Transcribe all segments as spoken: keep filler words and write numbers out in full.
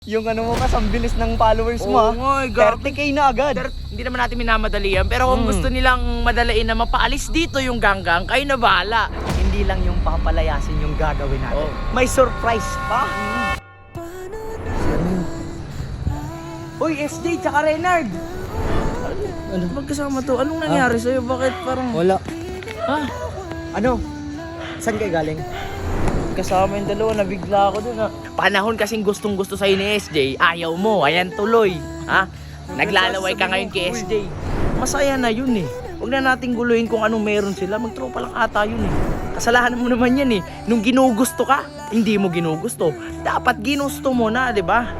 Yung ano mo kas, ang bilis ng followers mo. Oo ah. nga, eh, gabi. thirty K na agad. Pero hindi naman natin minamadali yan. Pero kung Mm. gusto nilang madalain na mapaalis dito yung ganggang, kayo na bahala. Hindi lang yung papalayasin yung gagawin natin. Oh. May surprise pa. Uy, S J tsaka Renard! Ano? Magkasama to? Anong nangyari sa'yo? Bakit parang... Wala. Ha? Ano? Saan kayo galing? Kasama yung dalawa, nabigla ako dun ha. Panahon kasing gustong gusto sa'yo ni S J, ayaw mo, ayan tuloy. Ha? Naglalaway ka ngayon kay S J. Masaya na yun eh. Huwag na nating guluhin kung anong meron sila, magtropa lang ata yun eh. Kasalanan mo naman yan eh. Nung ginugusto ka, hindi mo ginugusto. Dapat ginusto mo na, di ba?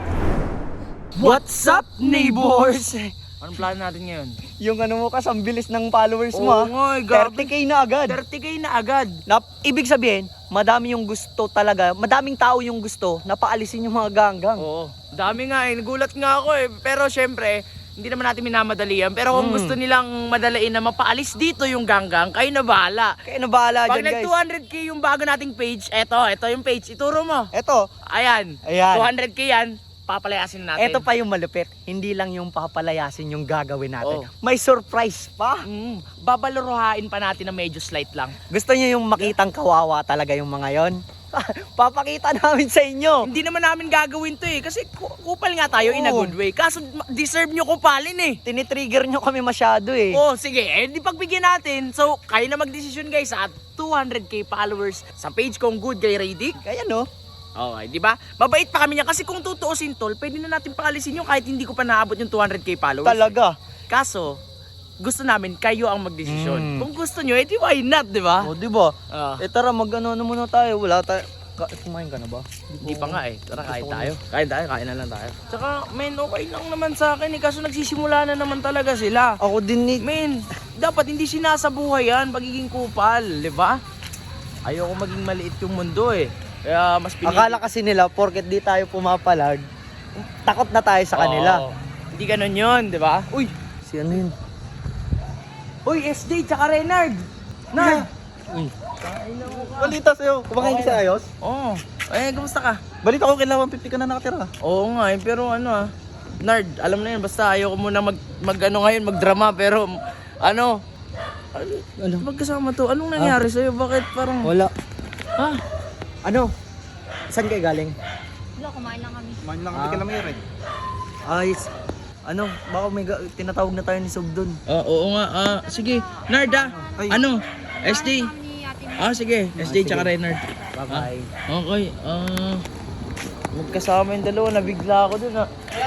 What's up, neighbors? Anong plano natin ngayon? Yung ano mo kas, ang bilis ng followers mo. Oo ah. nga, eh, gabi. thirty K na agad. thirty K na agad. Na, ibig sabihin, madami yung gusto talaga, madaming tao yung gusto na paalisin yung mga ganggang. Oo. Dami nga eh. Nagulat nga ako eh. Pero syempre, hindi naman natin minamadali yan. Pero kung Mm. gusto nilang madalain na mapaalis dito yung ganggang, kayo na bahala. Kaya na bahala Pag dyan, nag guys. two hundred K yung bago nating page, eto, eto yung page. Ituro mo. Eto, Ayan. Ayan. two hundred K yan. Papalayasin natin. eto pa yung malupit. Hindi lang yung papalayasin yung gagawin natin. Oh. May surprise pa. Mm, babalaruhain pa natin na medyo slight lang. Gusto niyo yung makitang kawawa talaga yung mga yon? Papakita namin sa inyo. Hindi naman namin gagawin to eh. Kasi ku- kupal nga tayo in a Oo. good way. Kaso ma- deserve nyo kupalin eh. Tinitrigger nyo kami masyado eh. Oh, sige. Eh, di pagbigyan natin. So, kayo na magdesisyon guys sa two hundred K followers sa page kong Good Guy Radic. Kaya no? Okay, di ba? Mabait pa kami niya kasi kung tutuusin tol, pwede na natin paalisin yung kahit hindi ko pa naabot yung two hundred K followers. Talaga. Kaso, gusto namin kayo ang magdesisyon. Mm. Kung gusto nyo, edi why not, di ba? O, di ba? Ah. Eh tara, mag-ano na muna tayo. Wala tayo. Ka kumain ka na ba? Hindi pa nga eh. Tara, kain Gusto ko tayo. Kain tayo, kain na lang tayo. Tsaka, men, okay lang naman sa akin eh. Kaso nagsisimula na naman talaga sila. Ako din ni... Men, dapat hindi sinasabuhay yan, pagiging kupal, di ba? Ayoko maging maliit yung mundo eh. Kaya mas pinili. Akala kasi nila, porket di tayo pumapalag, takot na tayo sa kanila. Oo. Hindi ganun yun, di ba? Uy! Si ano yun? Uy, S J tsaka Renard! Nard! Uy. Balita sa'yo. Kumakain ka sa ayos? Oo. Eh, kamusta ka? Balita ko kailangan fifty ka na nakatira. Oo nga eh, pero ano ah. Nard, alam na yun, basta ayoko muna mag, mag ano ngayon, magdrama, pero ano, Ano? magkasama to, anong nangyari sa'yo? Bakit parang, Wala. ha? Ano? Saan kayo galing? Wala, kumain lang kami. Kumain lang kami kay Lamire. Ayos. Ano? Baka may ga- tinatawag na tayo ni Sob dun. Ah, oo nga, ah, sige, Nard ah, Ay. ano, S D, Kami ate mo. ah sige, S D tsaka Renard. Bye-bye. Okay, ah, magkasama yung dalawa, nabigla ako dun ah.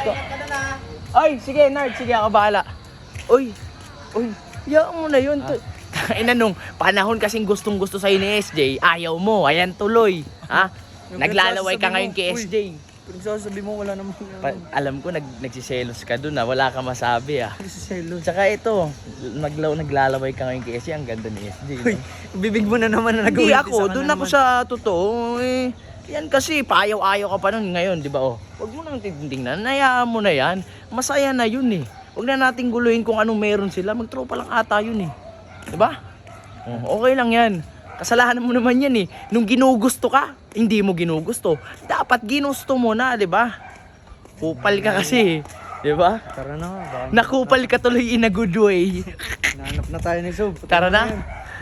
Ay, sige Nard, sige ako bahala. Uy, uy, yaan mo na yun. Ah. Ina nung panahon kasing gustong gusto sa'yo ni S J, ayaw mo, ayan tuloy. Ha? Naglalaway ka ngayon kay S J. Pinagsasabi mo, wala naman yung Pa- alam ko nag nagsiselos ka dun ah, wala ka masabi ah. selos. Tsaka ito, naglaw naglalaway ka ngayon kay S J, ang ganda ni S J. No? Uy, bibig mo na naman na Hindi nag-uwi. ako, doon ako sa totoo eh. Yan kasi, paayaw-ayaw ka pa nun ngayon, di ba oh? Huwag mo nang titingnan, nayaan mo na yan. Masaya na yun eh. Huwag na nating guluhin kung anong meron sila, magtropa lang ata yun eh. Di ba? Oh, okay lang yan. Kasalanan mo naman yan eh. Nung ginugusto ka, hindi mo ginugusto. Dapat ginusto mo na, di ba? Kupal ka kasi, di ba? Tara na. Baka Nakupal ka tuloy in a good way. Nahanap na tayo ni Sob. Tara na.